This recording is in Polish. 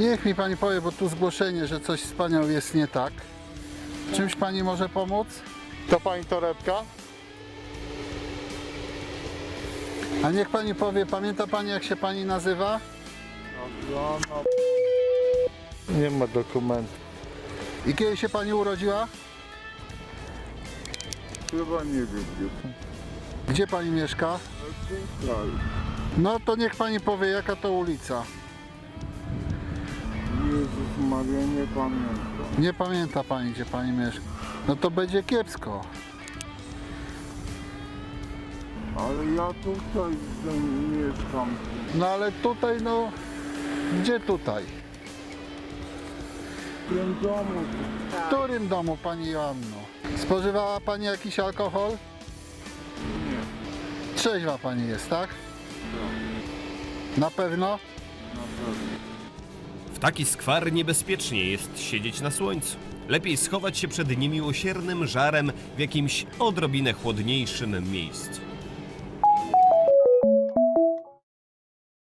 Niech mi pani powie, bo tu zgłoszenie, że coś z panią jest nie tak. Czymś pani może pomóc? To pani torebka? A niech pani powie, pamięta pani, jak się pani nazywa? Nie ma dokumentu. I kiedy się pani urodziła? Chyba nie wiem, Gdzie pani mieszka? gdzie. No to niech pani powie, jaka to ulica. Jezus Maria, nie pamiętam. Nie pamięta pani, gdzie pani mieszka. No to będzie kiepsko. Ale ja tutaj mieszkam. No ale tutaj, no... Gdzie tutaj? W tym domu. W którym domu, pani Joanno? Spożywała pani jakiś alkohol? Nie. Trzeźwa pani jest, tak? Na pewno? W taki skwar niebezpiecznie jest siedzieć na słońcu. Lepiej schować się przed niemiłosiernym żarem w jakimś odrobinę chłodniejszym miejscu.